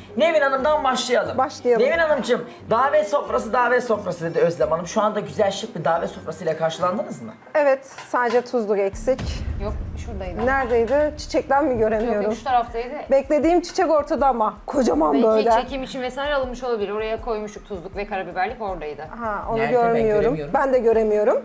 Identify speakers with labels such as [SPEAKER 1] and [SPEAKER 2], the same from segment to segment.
[SPEAKER 1] Nevin Hanım'dan başlayalım.
[SPEAKER 2] Başlayalım.
[SPEAKER 1] Nevin Hanımcığım, davet sofrası dedi Özlem Hanım. Şu anda güzel şık bir davet sofrasıyla karşılandınız mı?
[SPEAKER 2] Evet, sadece tuzluk eksik.
[SPEAKER 3] Yok şuradaydı.
[SPEAKER 2] Neredeydi? Çiçekten mi göremiyorum?
[SPEAKER 3] Yok şu taraftaydı.
[SPEAKER 2] Beklediğim çiçek ortada ama kocaman
[SPEAKER 3] Belki
[SPEAKER 2] böyle.
[SPEAKER 3] çekim için vesaire alınmış olabilir. Oraya koymuştuk tuzluk ve karabiberlik oradaydı.
[SPEAKER 2] Ha, onu
[SPEAKER 1] Nerede? Ben
[SPEAKER 2] görmüyorum.
[SPEAKER 1] göremiyorum.
[SPEAKER 2] Ben de göremiyorum.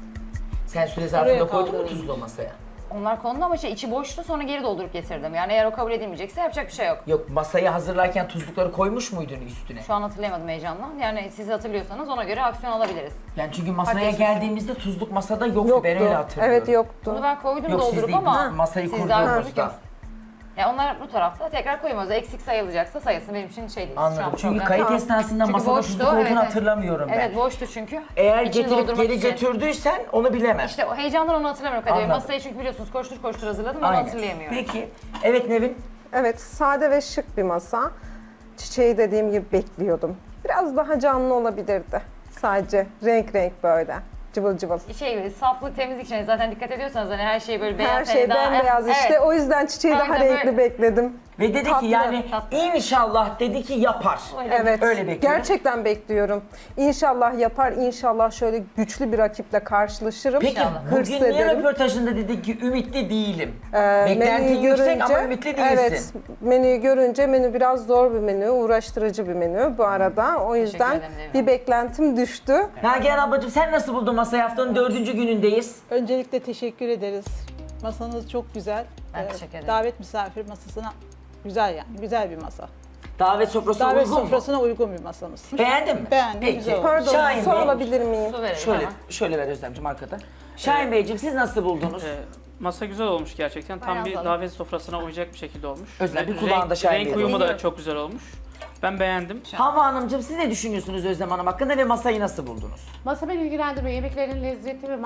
[SPEAKER 1] Sen süre zarfında koydun mu tuzlu masaya?
[SPEAKER 3] Onlar kondu ama içi boştu, sonra geri doldurup getirdim. Yani eğer o kabul edilmeyecekse yapacak bir şey yok.
[SPEAKER 1] Yok, masayı hazırlarken tuzlukları koymuş muydun üstüne?
[SPEAKER 3] Şu an hatırlayamadım heyecandan. Yani siz hatırlıyorsanız ona göre aksiyon alabiliriz.
[SPEAKER 1] Yani çünkü masaya
[SPEAKER 3] Hadi.
[SPEAKER 1] geldiğimizde tuzluk masada yoktu.
[SPEAKER 2] Yoktu.
[SPEAKER 1] Ben öyle hatırlıyorum.
[SPEAKER 2] Evet, yoktu.
[SPEAKER 3] Bunu ben koydum
[SPEAKER 1] Yok, siz
[SPEAKER 3] doldurup
[SPEAKER 1] değil,
[SPEAKER 3] ama
[SPEAKER 1] biz masayı
[SPEAKER 3] siz daha
[SPEAKER 1] kurduğumuzda.
[SPEAKER 3] kurduk. Ya onlar bu tarafta tekrar koymuyoruz. Eksik sayılacaksa sayılsın, benim için şey değil. Şu
[SPEAKER 1] Anladım.
[SPEAKER 3] an
[SPEAKER 1] Çünkü
[SPEAKER 3] problem
[SPEAKER 1] kayıt
[SPEAKER 3] yok.
[SPEAKER 1] esnasında
[SPEAKER 3] Çünkü
[SPEAKER 1] masada
[SPEAKER 3] boştu,
[SPEAKER 1] tuzluk olduğunu
[SPEAKER 3] evet.
[SPEAKER 1] hatırlamıyorum ben.
[SPEAKER 3] Evet boştu çünkü.
[SPEAKER 1] Eğer
[SPEAKER 3] İçini
[SPEAKER 1] getirip
[SPEAKER 3] doldurmak
[SPEAKER 1] geri
[SPEAKER 3] için.
[SPEAKER 1] götürdüysen onu bilemem.
[SPEAKER 3] İşte o heyecandan onu hatırlamıyorum Kadir Bey.
[SPEAKER 1] Anladım.
[SPEAKER 3] Masayı çünkü biliyorsunuz koştur koştur hazırladım, onu
[SPEAKER 1] Aynen.
[SPEAKER 3] hatırlayamıyorum.
[SPEAKER 1] Peki. Evet Nevin.
[SPEAKER 2] Evet, sade ve şık bir masa. Çiçeği dediğim gibi bekliyordum. Biraz daha canlı olabilirdi. Sadece renk renk böyle. Cıvıl cıvıl.
[SPEAKER 3] Şey gibi saflık, temizlik için zaten dikkat ediyorsanız hani her şey böyle beyaz.
[SPEAKER 2] Her şey
[SPEAKER 3] hani daha-
[SPEAKER 2] bembeyaz işte.
[SPEAKER 3] Evet.
[SPEAKER 2] O yüzden çiçeği daha
[SPEAKER 3] Aynen
[SPEAKER 2] renkli
[SPEAKER 3] böyle.
[SPEAKER 2] bekledim.
[SPEAKER 1] Ve dedi
[SPEAKER 2] Tatlı,
[SPEAKER 1] ki yani
[SPEAKER 3] tatlı.
[SPEAKER 1] inşallah dedi ki yapar.
[SPEAKER 2] Evet.
[SPEAKER 1] Öyle bekliyorum.
[SPEAKER 2] Gerçekten bekliyorum. İnşallah yapar. İnşallah şöyle güçlü bir rakiple karşılaşırım.
[SPEAKER 1] Peki
[SPEAKER 2] Hırs
[SPEAKER 1] bugün niye
[SPEAKER 2] ederim.
[SPEAKER 1] röportajında dedin ki ümitli değilim?
[SPEAKER 2] Menüyü
[SPEAKER 1] Beklentin yüksek ama ümitli değilsin.
[SPEAKER 2] Evet, menüyü görünce menü biraz zor bir menü, uğraştırıcı bir menü bu arada. O yüzden
[SPEAKER 3] ederim, Devrim.
[SPEAKER 2] bir beklentim düştü.
[SPEAKER 1] Nagihan ablacığım sen nasıl buldun masayı? Haftanın 4. günündeyiz.
[SPEAKER 4] Öncelikle teşekkür ederiz. Masanız çok güzel.
[SPEAKER 3] Ben teşekkür ederim.
[SPEAKER 4] Davet misafir masasına güzel yani. Güzel bir masa.
[SPEAKER 1] Davet sofrası
[SPEAKER 4] Davet
[SPEAKER 1] uygun mu?
[SPEAKER 4] sofrasına uygun bir masamız.
[SPEAKER 1] Beğendin mi?
[SPEAKER 4] Beğendim,
[SPEAKER 1] Peki.
[SPEAKER 4] güzel oldu.
[SPEAKER 2] Pardon,
[SPEAKER 1] Şahin
[SPEAKER 2] su
[SPEAKER 1] Bey.
[SPEAKER 2] alabilir miyim?
[SPEAKER 3] Su verelim
[SPEAKER 1] Şöyle,
[SPEAKER 3] hemen.
[SPEAKER 1] şöyle ver Özlemciğim arkada. Şahin Beyciğim siz nasıl buldunuz?
[SPEAKER 5] Masa güzel olmuş gerçekten. Tam
[SPEAKER 3] Bayağı
[SPEAKER 5] bir
[SPEAKER 3] sağlık.
[SPEAKER 5] davet sofrasına uyacak bir şekilde olmuş.
[SPEAKER 1] Özlem, bir
[SPEAKER 5] Renk-
[SPEAKER 1] kulağında Şahin
[SPEAKER 5] Renk
[SPEAKER 1] Bey
[SPEAKER 5] uyumu
[SPEAKER 3] olsun.
[SPEAKER 5] da çok güzel olmuş. Ben beğendim.
[SPEAKER 1] Havva Hanımcığım siz ne düşünüyorsunuz Özlem Hanım hakkında ve masayı nasıl buldunuz?
[SPEAKER 6] Masa beni ilgilendiriyor. Yemeklerin lezzeti ve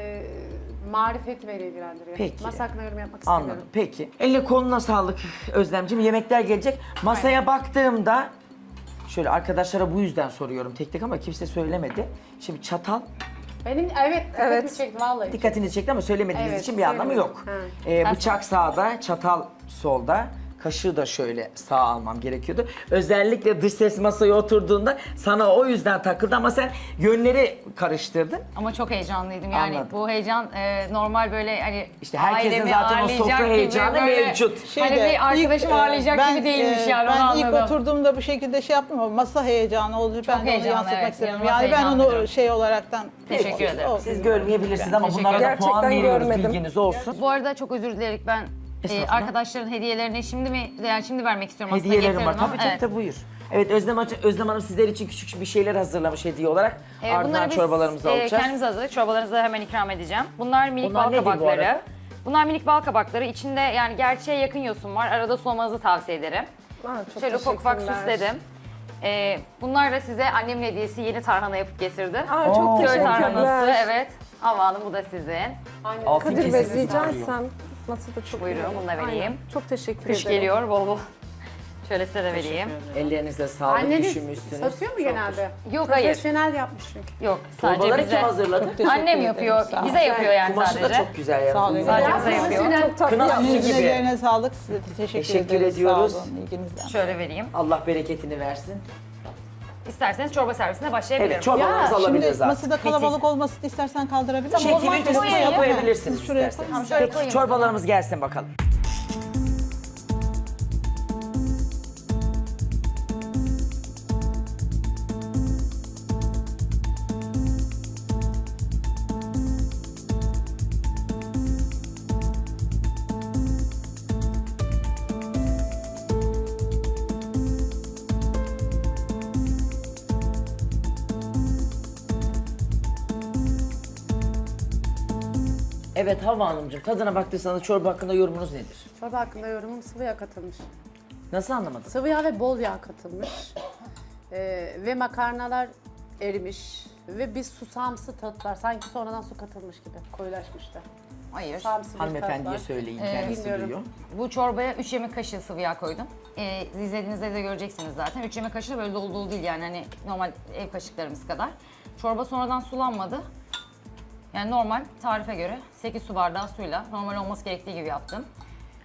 [SPEAKER 6] marifeti beni ilgilendiriyor.
[SPEAKER 1] Peki.
[SPEAKER 6] Masa hakkında yorum yapmak istemiyorum.
[SPEAKER 1] Anladım. Peki. Eline koluna sağlık Özlemciğim. Yemekler gelecek. Masaya baktığımda şöyle arkadaşlara bu yüzden soruyorum tek tek ama kimse söylemedi. Şimdi çatal
[SPEAKER 6] Benim dikkatimi
[SPEAKER 2] Evet.
[SPEAKER 6] çekti vallahi.
[SPEAKER 1] dikkatinizi çekti ama söylemediğiniz
[SPEAKER 6] Evet,
[SPEAKER 1] için bir anlamı
[SPEAKER 6] söylemedim.
[SPEAKER 1] yok. Bıçak sağda, çatal solda. Kaşığı da şöyle sağ almam gerekiyordu. Özellikle dış ses masaya oturduğunda sana o yüzden takıldı ama sen yönleri karıştırdın.
[SPEAKER 3] Ama çok heyecanlıydım yani.
[SPEAKER 1] Anladım.
[SPEAKER 3] Bu heyecan normal böyle hani
[SPEAKER 1] İşte herkesin
[SPEAKER 3] ailemi
[SPEAKER 1] zaten o
[SPEAKER 3] ağırlayacak
[SPEAKER 1] sofra
[SPEAKER 3] gibi
[SPEAKER 1] heyecanı
[SPEAKER 3] böyle-
[SPEAKER 1] mevcut.
[SPEAKER 3] Hani bir arkadaşım ağırlayacak gibi değilmiş yani, onu
[SPEAKER 4] Ben ilk
[SPEAKER 3] anladım.
[SPEAKER 4] oturduğumda bu şekilde şey yaptım ama masa heyecanı oldu. Ben de onu
[SPEAKER 3] heyecanlı,
[SPEAKER 4] yansıtmak
[SPEAKER 3] evet.
[SPEAKER 4] istedim.
[SPEAKER 3] İnanılmaz
[SPEAKER 4] Yani ben
[SPEAKER 3] heyecanlıydım.
[SPEAKER 4] onu şey olaraktan...
[SPEAKER 3] Teşekkür ederim.
[SPEAKER 4] Olsun.
[SPEAKER 1] Siz görmeyebilirsiniz ama
[SPEAKER 3] Teşekkür
[SPEAKER 1] bunlara da
[SPEAKER 2] ederim.
[SPEAKER 1] puan
[SPEAKER 2] Gerçekten
[SPEAKER 1] veriyoruz,
[SPEAKER 2] görmedim.
[SPEAKER 1] bilginiz olsun.
[SPEAKER 3] Bu arada çok özür dileyerek ben
[SPEAKER 1] Estağfurullah.
[SPEAKER 3] arkadaşların hediyelerini şimdi mi, yani şimdi vermek istiyorum aslında.
[SPEAKER 1] Hediyelerim var.
[SPEAKER 3] getirdim
[SPEAKER 1] Tabii
[SPEAKER 3] ama,
[SPEAKER 1] tabii tabii, buyur. Evet Özlem Hanım sizler için küçük bir şeyler hazırlamış hediye olarak. Ardından
[SPEAKER 3] bunları biz
[SPEAKER 1] çorbalarımızı alacağız.
[SPEAKER 3] kendimiz hazırladık. Çorbalarınızı da hemen ikram edeceğim. Bunlar minik
[SPEAKER 1] Bunlar
[SPEAKER 3] bal
[SPEAKER 1] nedir bu
[SPEAKER 3] kabakları.
[SPEAKER 1] arada?
[SPEAKER 3] Bunlar minik bal kabakları. İçinde yani gerçeğe yakın yosun var. Arada sulamanızı tavsiye ederim.
[SPEAKER 2] Çok
[SPEAKER 3] Şöyle ufak ufak
[SPEAKER 2] teşekkürler.
[SPEAKER 3] süsledim. Bunlar da size annemin hediyesi, yeni tarhana yapıp getirdi.
[SPEAKER 2] Çok
[SPEAKER 3] Köy
[SPEAKER 2] teşekkürler.
[SPEAKER 3] tarhanası, evet. Hava Hanım, bu da sizin.
[SPEAKER 1] Altın
[SPEAKER 2] Kadir Bey
[SPEAKER 1] kesesi
[SPEAKER 2] rica
[SPEAKER 1] sarıyor.
[SPEAKER 2] etsem masada çok
[SPEAKER 3] Buyurun,
[SPEAKER 2] iyi.
[SPEAKER 3] bunu da vereyim.
[SPEAKER 2] Aynen. Çok teşekkür
[SPEAKER 3] Kış
[SPEAKER 2] ederim.
[SPEAKER 3] geliyor bol bol. Şöyle size de vereyim.
[SPEAKER 1] Ellerinize sağlık,
[SPEAKER 6] Anneniz
[SPEAKER 1] düşünmüşsünüz.
[SPEAKER 6] satıyor mu genelde?
[SPEAKER 3] Yok, hayır.
[SPEAKER 6] Profesyonel yapmış çünkü.
[SPEAKER 3] Yok, sadece
[SPEAKER 1] Çorbaları
[SPEAKER 3] bize.
[SPEAKER 1] kim hazırladı?
[SPEAKER 3] Annem yapıyor, bize yapıyor yani
[SPEAKER 1] Kumaşı da
[SPEAKER 3] sadece.
[SPEAKER 1] çok güzel
[SPEAKER 4] Sağ olun.
[SPEAKER 1] yalnız.
[SPEAKER 3] Sadece
[SPEAKER 6] Ya,
[SPEAKER 3] bize yapıyor.
[SPEAKER 6] profesyonel.
[SPEAKER 2] Çok tatlı
[SPEAKER 1] Kına
[SPEAKER 2] yapmış.
[SPEAKER 1] süsü gibi.
[SPEAKER 4] Ellerine sağlık. Size de teşekkür
[SPEAKER 1] Teşekkür
[SPEAKER 4] ederiz.
[SPEAKER 1] ediyoruz.
[SPEAKER 4] Sağ olun, ilginizden.
[SPEAKER 3] Şöyle vereyim.
[SPEAKER 1] Allah bereketini versin.
[SPEAKER 3] İsterseniz çorba servisine başlayabilirim.
[SPEAKER 1] Evet, çorbalarımızı
[SPEAKER 4] Şimdi
[SPEAKER 1] alabiliriz artık.
[SPEAKER 4] masada kalabalık olmasını istersen kaldırabilir miyim?
[SPEAKER 3] Tamam, o zaman
[SPEAKER 1] Çekimi
[SPEAKER 3] koyayım
[SPEAKER 1] kısmına
[SPEAKER 3] ya.
[SPEAKER 1] koyabilirsiniz
[SPEAKER 4] Siz şuraya
[SPEAKER 1] isterseniz.
[SPEAKER 3] Tamam, şöyle
[SPEAKER 1] Peki
[SPEAKER 3] koyayım.
[SPEAKER 1] çorbalarımız gelsin bakalım. Evet Havva Hanımcığım, tadına baktıysanız çorba hakkında yorumunuz nedir?
[SPEAKER 6] Çorba hakkında yorumum sıvı yağ katılmış.
[SPEAKER 1] Nasıl anlamadım?
[SPEAKER 6] Sıvı yağ ve bol yağ katılmış. Ve makarnalar erimiş. Ve bir susamsı tat var. Sanki sonradan su katılmış gibi. Koyulaşmış da.
[SPEAKER 3] Hayır.
[SPEAKER 6] Susamsı bir tat
[SPEAKER 1] Hanımefendiye
[SPEAKER 6] var.
[SPEAKER 1] söyleyin, kendisi
[SPEAKER 6] bilmiyorum.
[SPEAKER 1] duyuyor.
[SPEAKER 3] Bu çorbaya 3 yemek kaşığı sıvı yağ koydum. İzlediğinizde de göreceksiniz zaten. 3 yemek kaşığı da böyle dolu dolu değil yani hani normal ev kaşıklarımız kadar. Çorba sonradan sulanmadı. Yani normal tarife göre 8 su bardağı suyla normal olması gerektiği gibi yaptım.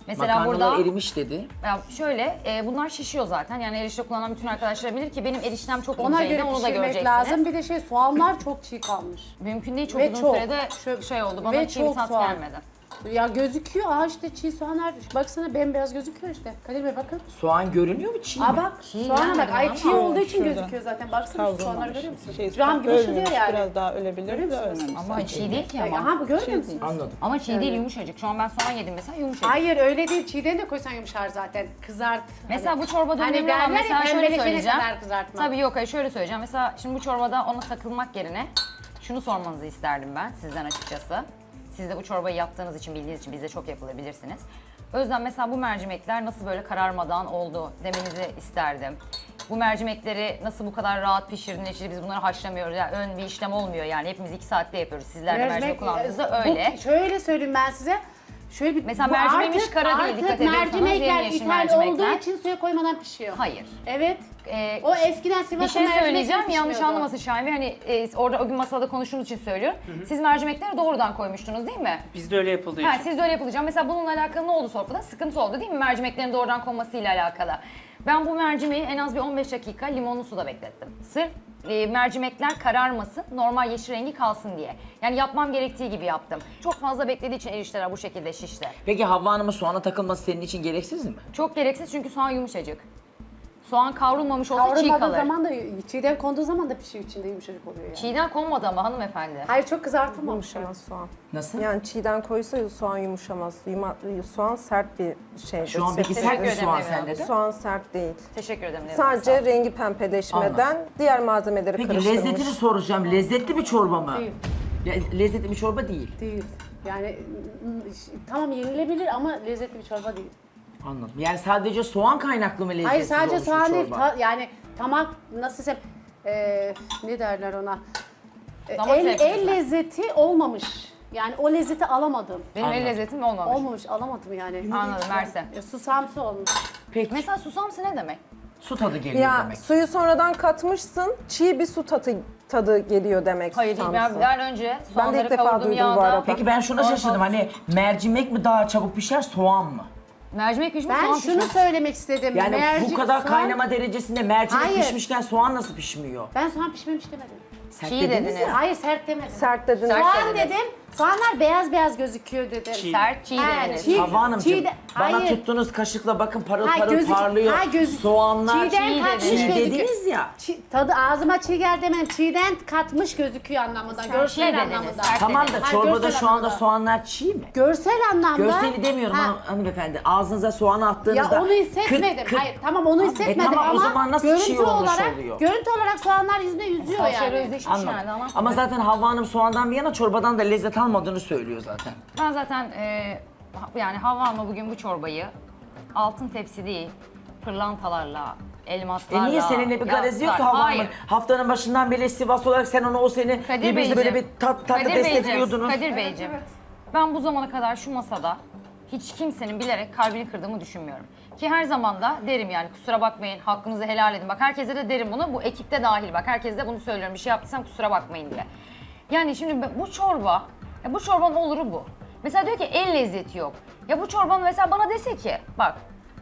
[SPEAKER 3] Mesela
[SPEAKER 1] Makarnalar
[SPEAKER 3] burada
[SPEAKER 1] erimiş dedi.
[SPEAKER 3] ya şöyle bunlar şişiyor zaten. Yani erişte kullanan bütün arkadaşlar bilir ki benim eriştem çok
[SPEAKER 6] Ona
[SPEAKER 3] inceydi.
[SPEAKER 6] göre
[SPEAKER 3] Onu da
[SPEAKER 6] pişirmek
[SPEAKER 3] göreceksiniz.
[SPEAKER 6] lazım. Bir de soğanlar çok çiğ kalmış.
[SPEAKER 3] Mümkün değil, çok
[SPEAKER 6] Ve
[SPEAKER 3] uzun
[SPEAKER 6] çok.
[SPEAKER 3] sürede şey oldu. Bana
[SPEAKER 6] Ve
[SPEAKER 3] çiğ bir
[SPEAKER 6] çok
[SPEAKER 3] tat
[SPEAKER 6] soğan.
[SPEAKER 3] gelmedi.
[SPEAKER 6] Ya gözüküyor işte çiğ soğanlar. Baksana bembeyaz gözüküyor işte. Kadir Bey bakın.
[SPEAKER 1] Soğan görünüyor mu çiğ mi?
[SPEAKER 6] Aa bak
[SPEAKER 3] Çiğ
[SPEAKER 6] soğana bak.
[SPEAKER 3] gelmedi
[SPEAKER 6] Ay
[SPEAKER 3] ama.
[SPEAKER 6] çiğ olduğu için
[SPEAKER 4] Şurada.
[SPEAKER 6] gözüküyor zaten. Baksana şu soğanları
[SPEAKER 4] Kavrulmamış.
[SPEAKER 6] görüyor musun?
[SPEAKER 4] Şey,
[SPEAKER 6] Cam gibi ışılıyor
[SPEAKER 4] ölmemiş,
[SPEAKER 6] yani.
[SPEAKER 4] biraz daha ölebilir
[SPEAKER 6] Görüyor
[SPEAKER 4] de
[SPEAKER 6] musunuz?
[SPEAKER 4] ölmemiş.
[SPEAKER 3] Ama çiğ değil ki ama.
[SPEAKER 6] Aha bu görmüyor musun?
[SPEAKER 1] Anladım.
[SPEAKER 3] Ama çiğ değil, yumuşacık. Şu an ben soğan yedim mesela, yumuşacık.
[SPEAKER 6] Hayır öyle değil. Çiğden de koysan yumuşar zaten. Kızart.
[SPEAKER 3] Mesela bu çorbada
[SPEAKER 6] Hani
[SPEAKER 3] önemli olan
[SPEAKER 6] derler ya,
[SPEAKER 3] mesela şöyle
[SPEAKER 6] pembeleşene
[SPEAKER 3] söyleyeceğim.
[SPEAKER 6] kadar kızartma.
[SPEAKER 3] Tabii yok, hayır şöyle söyleyeceğim. Mesela şimdi bu çorbada ona takılmak yerine şunu sormanızı isterdim ben sizden açıkçası. Siz de bu çorbayı yaptığınız için, bildiğiniz için bizde çok yapılabilirsiniz. O yüzden mesela bu mercimekler nasıl böyle kararmadan oldu demenizi isterdim. Bu mercimekleri nasıl bu kadar rahat pişirdiniz? İşte biz bunları haşlamıyoruz. Yani ön bir işlem olmuyor yani. Hepimiz 2 saatte yapıyoruz. Sizler de mercimek kullandığınızda öyle.
[SPEAKER 6] Şöyle söyleyeyim ben size. Şöyle bir
[SPEAKER 3] Mesela
[SPEAKER 6] bu
[SPEAKER 3] mercimeğimiz
[SPEAKER 6] artık-
[SPEAKER 3] kara değil,
[SPEAKER 6] artık
[SPEAKER 3] dikkat ediyorsanız
[SPEAKER 6] mercimekler
[SPEAKER 3] yemyeşil
[SPEAKER 6] ithal
[SPEAKER 3] mercimekler.
[SPEAKER 6] olduğu için suya koymadan pişiyor.
[SPEAKER 3] Hayır.
[SPEAKER 6] Evet.
[SPEAKER 3] Ee,
[SPEAKER 6] O eskiden
[SPEAKER 3] Bir
[SPEAKER 6] Sivas'ta
[SPEAKER 3] şey
[SPEAKER 6] mercimekler
[SPEAKER 3] söyleyeceğim, yanlış
[SPEAKER 6] pişmiyordu.
[SPEAKER 3] anlamasın Şahin Bey. Hani orada o gün masada konuştuğumuz için söylüyorum. Siz mercimekleri doğrudan koymuştunuz değil mi?
[SPEAKER 5] Bizde öyle yapıldığı
[SPEAKER 3] Ha,
[SPEAKER 5] için.
[SPEAKER 3] siz de öyle yapılacak. Mesela bununla alakalı ne oldu sofrada? Sıkıntı oldu değil mi? Mercimeklerin doğrudan konmasıyla alakalı. Ben bu mercimeği en az bir 15 dakika limonlu suda beklettim. Sırf mercimekler kararmasın, normal yeşil rengi kalsın diye. Yani yapmam gerektiği gibi yaptım. Çok fazla beklediği için erişteler bu şekilde şişti.
[SPEAKER 1] Peki Havva Hanım'ın soğana takılması senin için gereksiz mi?
[SPEAKER 3] Çok gereksiz çünkü soğan yumuşacık. Soğan kavrulmamış olsa çiğ
[SPEAKER 6] Kavrulmadığı
[SPEAKER 3] kalır.
[SPEAKER 6] zaman da çiğden konduğu zaman da pişiyor içinde yumuşacık oluyor yani.
[SPEAKER 3] Çiğden konmadı ama hanımefendi.
[SPEAKER 6] Hayır çok kızartılmamış.
[SPEAKER 2] Yumuşamaz soğan.
[SPEAKER 1] Nasıl?
[SPEAKER 2] Yani çiğden koysa soğan yumuşamaz. Soğan sert bir şeydir.
[SPEAKER 1] Şu an peki
[SPEAKER 2] sebzedir.
[SPEAKER 1] sert bir
[SPEAKER 3] Teşekkür
[SPEAKER 1] soğan
[SPEAKER 3] ederim
[SPEAKER 1] sende de.
[SPEAKER 2] Soğan sert değil.
[SPEAKER 3] Teşekkür ederim. Nevzat, sağ
[SPEAKER 2] Sadece
[SPEAKER 3] ol.
[SPEAKER 2] rengi pembeleşmeden diğer malzemeleri
[SPEAKER 1] Peki
[SPEAKER 2] karıştırmış.
[SPEAKER 1] lezzetini soracağım. Lezzetli bir çorba mı?
[SPEAKER 6] Değil.
[SPEAKER 1] Lezzetli bir çorba değil.
[SPEAKER 6] Değil. Yani tamam yenilebilir ama lezzetli bir çorba değil.
[SPEAKER 1] Anladım. Yani sadece soğan kaynaklı mı lezzetsiz
[SPEAKER 6] Hayır sadece
[SPEAKER 1] olmuş bir
[SPEAKER 6] soğan değil.
[SPEAKER 1] çorba?
[SPEAKER 6] Yani tamak nasıl desem ne derler ona?
[SPEAKER 3] Damak
[SPEAKER 6] El
[SPEAKER 3] zevkiniz var.
[SPEAKER 6] lezzeti olmamış. Yani o lezzeti alamadım.
[SPEAKER 3] Benim el
[SPEAKER 1] Anladım.
[SPEAKER 3] lezzetim olmamış.
[SPEAKER 6] Olmamış, alamadım yani.
[SPEAKER 3] Anladım, Merse.
[SPEAKER 6] Susamsı olmuş.
[SPEAKER 1] Peki
[SPEAKER 3] Mesela susamsı ne demek?
[SPEAKER 1] su tadı geliyor
[SPEAKER 2] Ya
[SPEAKER 1] demek.
[SPEAKER 2] suyu sonradan katmışsın, çiğ bir su tadı geliyor demek.
[SPEAKER 3] Hayır değil.
[SPEAKER 2] susamsı.
[SPEAKER 3] Ben önce
[SPEAKER 2] Ben de
[SPEAKER 3] soğanları
[SPEAKER 2] ilk defa
[SPEAKER 3] kavurdum
[SPEAKER 2] duydum
[SPEAKER 3] yağda.
[SPEAKER 2] bu arada.
[SPEAKER 1] Peki ben şuna
[SPEAKER 3] Soğan
[SPEAKER 1] şaşırdım.
[SPEAKER 3] fazla-
[SPEAKER 1] Hani mercimek mi daha çabuk pişer, soğan mı?
[SPEAKER 3] Mercimek pişmiş,
[SPEAKER 6] Ben
[SPEAKER 3] soğan
[SPEAKER 6] şunu
[SPEAKER 3] pişmiş.
[SPEAKER 6] söylemek istedim.
[SPEAKER 1] Yani bu kadar
[SPEAKER 6] soğan-
[SPEAKER 1] kaynama derecesinde mercimek
[SPEAKER 6] Hayır.
[SPEAKER 1] pişmişken soğan nasıl pişmiyor?
[SPEAKER 6] Ben soğan pişmemiş demedim.
[SPEAKER 1] Sert
[SPEAKER 3] Çiğ
[SPEAKER 1] dediniz
[SPEAKER 3] dediniz.
[SPEAKER 1] ya.
[SPEAKER 6] Hayır sert demedim.
[SPEAKER 2] Sert dediniz.
[SPEAKER 3] Sert
[SPEAKER 6] Soğan
[SPEAKER 3] dediniz.
[SPEAKER 6] dedim. Soğanlar beyaz beyaz gözüküyor dedim.
[SPEAKER 5] Çiğ.
[SPEAKER 3] Sert çiğ
[SPEAKER 6] He,
[SPEAKER 3] dediniz.
[SPEAKER 6] çiğ-
[SPEAKER 1] Havva Hanımcığım,
[SPEAKER 6] çiğ de-
[SPEAKER 1] bana
[SPEAKER 6] hayır.
[SPEAKER 1] tuttuğunuz kaşıkla bakın parıl
[SPEAKER 6] Ha,
[SPEAKER 1] parıl parlıyor.
[SPEAKER 6] gözü-
[SPEAKER 1] Soğanlar
[SPEAKER 6] çiğden
[SPEAKER 3] çiğ
[SPEAKER 6] katmış
[SPEAKER 3] dediniz.
[SPEAKER 1] çiğ
[SPEAKER 6] gözüküyor.
[SPEAKER 1] dediniz ya.
[SPEAKER 6] Tadı ağzıma çiğ geldi demedim. Çiğden katmış gözüküyor anlamında.
[SPEAKER 3] Çiğ
[SPEAKER 6] Görsel
[SPEAKER 3] dediniz,
[SPEAKER 6] anlamında.
[SPEAKER 3] sert
[SPEAKER 1] Tamam da
[SPEAKER 3] dediniz.
[SPEAKER 6] Ha,
[SPEAKER 1] çorbada
[SPEAKER 6] görsel
[SPEAKER 1] şu anda
[SPEAKER 6] anlamda.
[SPEAKER 1] soğanlar çiğ mi?
[SPEAKER 6] Görsel anlamda.
[SPEAKER 1] Görseli demiyorum
[SPEAKER 6] Ha,
[SPEAKER 1] hanımefendi. Ağzınıza soğanı
[SPEAKER 6] Ya
[SPEAKER 1] attığınızda...
[SPEAKER 6] onu hissetmedim. Hayır tamam onu hissetmedim
[SPEAKER 1] tamam, o
[SPEAKER 6] ama
[SPEAKER 1] zaman nasıl
[SPEAKER 6] görüntü
[SPEAKER 1] çiğ olmuş
[SPEAKER 6] olarak,
[SPEAKER 1] oluyor?
[SPEAKER 6] Görüntü olarak soğanlar yüzüne yüzüyor
[SPEAKER 3] Saçları
[SPEAKER 6] yani.
[SPEAKER 3] özleşmiş
[SPEAKER 1] Anladım.
[SPEAKER 3] yani. Ama,
[SPEAKER 1] Ama zaten Havva Hanım soğandan bir yana çorbadan da lezzet almadığını söylüyor zaten.
[SPEAKER 3] ben zaten yani Havva Hanım'a bugün bu çorbayı altın tepsi değil, pırlantalarla, elmaslarla...
[SPEAKER 1] Niye seninle bir garezi yok ki
[SPEAKER 3] yaptılar.
[SPEAKER 1] Havva
[SPEAKER 3] Hayır.
[SPEAKER 1] Hanım'ın? Haftanın başından beri Sivas olarak sen onu o seni
[SPEAKER 3] Kadir
[SPEAKER 1] birbirinize böyle bir
[SPEAKER 3] Beyciğim,
[SPEAKER 1] tatlı
[SPEAKER 3] Kadir
[SPEAKER 1] destekliyordunuz.
[SPEAKER 3] Kadir Beyciğim, ben bu zamana kadar şu masada hiç kimsenin bilerek kalbini kırdığımı düşünmüyorum. Ki her zaman da derim yani kusura bakmayın, hakkınızı helal edin. Bak herkese de derim bunu, bu ekipte dahil bak. Herkese de bunu söylüyorum, bir şey yaptıysam kusura bakmayın diye. Yani şimdi bu çorba, bu çorbanın oluru bu. Mesela diyor ki el lezzeti yok. Ya bu çorbanın mesela bana dese ki, bak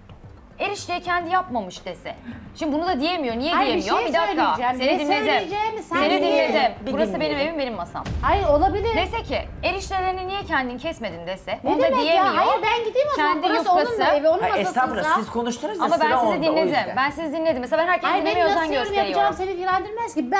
[SPEAKER 3] erişteyi kendi yapmamış dese. Şimdi bunu da diyemiyor. Niye
[SPEAKER 6] Hayır, bir
[SPEAKER 3] diyemiyor?
[SPEAKER 6] şey
[SPEAKER 3] bir dakika.
[SPEAKER 6] söyleyeceğim.
[SPEAKER 3] Seni
[SPEAKER 6] Ne
[SPEAKER 3] dinledim.
[SPEAKER 6] söyleyeceğimi sen
[SPEAKER 3] Seni
[SPEAKER 6] dinle.
[SPEAKER 3] dinledim.
[SPEAKER 1] Bir
[SPEAKER 3] Burası benim
[SPEAKER 1] dinleyelim.
[SPEAKER 3] evim, benim masam.
[SPEAKER 6] Hayır olabilir.
[SPEAKER 3] Dese ki eriştelerini niye kendin kesmedin dese.
[SPEAKER 6] Ne
[SPEAKER 3] onu da
[SPEAKER 6] demek
[SPEAKER 3] diyemiyor.
[SPEAKER 6] ya? Hayır ben gideyim o zaman.
[SPEAKER 3] Kendi
[SPEAKER 6] Burası onun
[SPEAKER 3] yufkası.
[SPEAKER 6] da evi, onun
[SPEAKER 1] Ay, estağfurullah
[SPEAKER 6] masasında.
[SPEAKER 1] siz konuştunuz ya
[SPEAKER 3] Ama
[SPEAKER 1] sıra
[SPEAKER 3] ben sizi
[SPEAKER 1] onda, o
[SPEAKER 3] dinledim.
[SPEAKER 1] yüzden.
[SPEAKER 3] Ben sizi dinledim. Mesela ben herkesi
[SPEAKER 6] Hayır
[SPEAKER 3] dinlemeye
[SPEAKER 6] benim
[SPEAKER 3] özen
[SPEAKER 6] nasıl yorum yapacağım
[SPEAKER 3] gösteriyorum.
[SPEAKER 6] seni ilgilendirmez ki.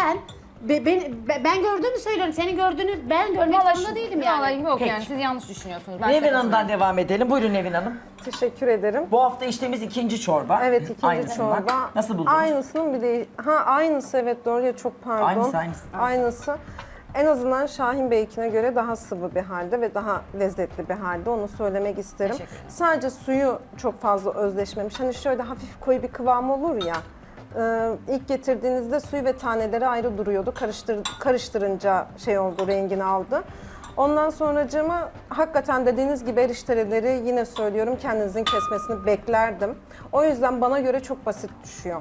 [SPEAKER 6] Ben gördüğümü söylüyorum. Senin gördüğünü ben görmek
[SPEAKER 3] Vallahi
[SPEAKER 6] zorunda
[SPEAKER 3] şu-
[SPEAKER 6] değilim
[SPEAKER 3] vallahi
[SPEAKER 6] yani.
[SPEAKER 3] yok
[SPEAKER 1] Peki.
[SPEAKER 3] yani siz yanlış düşünüyorsunuz. Ben
[SPEAKER 1] Nevin
[SPEAKER 3] size
[SPEAKER 1] Hanım'dan
[SPEAKER 3] katılıyorum.
[SPEAKER 1] devam edelim. Buyurun Nevin Hanım.
[SPEAKER 2] Teşekkür ederim.
[SPEAKER 1] Bu hafta içtiğimiz ikinci çorba.
[SPEAKER 2] Evet ikinci
[SPEAKER 1] Aynısından.
[SPEAKER 2] çorba.
[SPEAKER 1] Nasıl buldunuz?
[SPEAKER 2] Aynısının bir de aynısı evet doğru ya çok pardon.
[SPEAKER 1] Aynısı.
[SPEAKER 2] Aynısı. En azından Şahin Bey'inkine göre daha sıvı bir halde ve daha lezzetli bir halde onu söylemek isterim.
[SPEAKER 3] Teşekkür ederim.
[SPEAKER 2] Sadece suyu çok fazla özleşmemiş. Hani şöyle hafif koyu bir kıvam olur ya. İlk getirdiğinizde suyu ve taneleri ayrı duruyordu. Karıştırınca şey oldu, rengini aldı. Ondan sonracığıma hakikaten dediğiniz gibi erişteleri yine söylüyorum kendinizin kesmesini beklerdim. O yüzden bana göre çok basit düşüyor.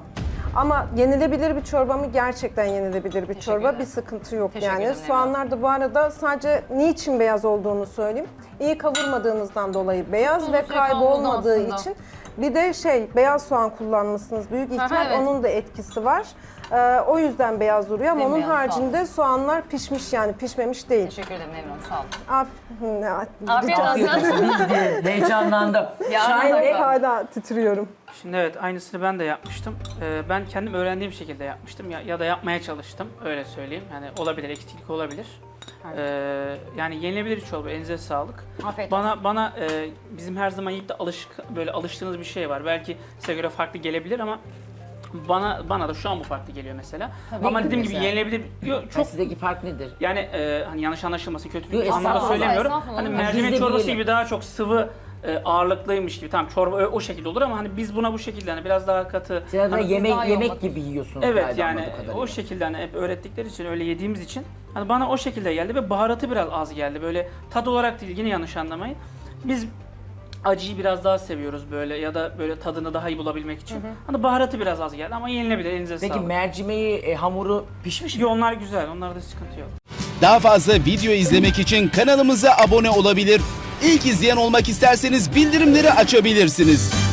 [SPEAKER 2] Ama yenilebilir bir çorba mı? Gerçekten yenilebilir bir çorba.
[SPEAKER 3] ederim.
[SPEAKER 2] Bir sıkıntı yok
[SPEAKER 3] Teşekkür
[SPEAKER 2] yani.
[SPEAKER 3] ederim,
[SPEAKER 2] Soğanlar da bu arada sadece niçin beyaz olduğunu söyleyeyim. İyi kavurmadığınızdan dolayı beyaz
[SPEAKER 3] Uzun
[SPEAKER 2] ve
[SPEAKER 3] süre kalmadı
[SPEAKER 2] kaybolmadığı
[SPEAKER 3] aslında.
[SPEAKER 2] için. Bir de beyaz soğan kullanmışsınız. Büyük ihtimal
[SPEAKER 3] evet.
[SPEAKER 2] onun da etkisi var. O yüzden beyaz duruyor ama onun
[SPEAKER 3] Bembeyaz, sağ
[SPEAKER 2] haricinde soğanlar pişmiş yani pişmemiş değil.
[SPEAKER 3] Teşekkür ederim Nevin Hanım, sağ olun.
[SPEAKER 2] Afiyet
[SPEAKER 3] Afiyet olsun.
[SPEAKER 1] Biz de heyecanlandım.
[SPEAKER 3] Ya,
[SPEAKER 1] Şahin
[SPEAKER 3] ben
[SPEAKER 1] Bey,
[SPEAKER 2] Hala titriyorum.
[SPEAKER 5] Şimdi evet, aynısını ben de yapmıştım. Ben kendim öğrendiğim şekilde yapmıştım ya da yapmaya çalıştım, öyle söyleyeyim. Yani olabilir, eksiklik olabilir. Yani yenilebilir bir çorba, elinize sağlık.
[SPEAKER 3] Afiyet olsun.
[SPEAKER 5] Bana bizim her zaman yiyip de böyle alıştığınız bir şey var. Belki size göre farklı gelebilir ama bana da şu an bu farklı geliyor mesela. Ama dediğim gibi
[SPEAKER 1] mesela.
[SPEAKER 5] yenilebilir. Yok,
[SPEAKER 1] çok...
[SPEAKER 5] çok
[SPEAKER 1] Sizdeki fark nedir?
[SPEAKER 5] yani hani yanlış anlaşılması, kötü
[SPEAKER 1] Yok,
[SPEAKER 5] bir anlamda
[SPEAKER 1] estağfurullah,
[SPEAKER 5] söylemiyorum.
[SPEAKER 3] estağfurullah.
[SPEAKER 5] Hani
[SPEAKER 3] Biz
[SPEAKER 5] mercimek
[SPEAKER 1] de
[SPEAKER 5] çorbası
[SPEAKER 1] bilelim.
[SPEAKER 5] gibi daha çok sıvı ağırlıklıymış gibi. Tamam, çorba o şekilde olur ama hani biz buna bu şekilde hani biraz daha katı.
[SPEAKER 1] Siz de
[SPEAKER 5] hani,
[SPEAKER 3] daha iyi
[SPEAKER 1] yemek
[SPEAKER 3] olmak
[SPEAKER 1] gibi yiyorsunuz
[SPEAKER 5] evet
[SPEAKER 1] galiba
[SPEAKER 5] yani
[SPEAKER 1] anladığım kadarıyla.
[SPEAKER 5] o şekilde hani hep öğrettikleri için, öyle yediğimiz için hani bana o şekilde geldi ve baharatı biraz az geldi. Böyle tat olarak değil, yine yanlış anlamayın. Biz acıyı biraz daha seviyoruz böyle ya da böyle tadını daha iyi bulabilmek için. Hani baharatı biraz az geldi ama yenilebilir, elinize
[SPEAKER 1] Peki
[SPEAKER 5] sağlık.
[SPEAKER 1] mercimeği, hamuru pişmiş mi?
[SPEAKER 5] Yo, onlar güzel, onlarda sıkıntı yok.
[SPEAKER 7] Daha fazla video izlemek için kanalımıza abone olabilir. İlk izleyen olmak isterseniz bildirimleri açabilirsiniz.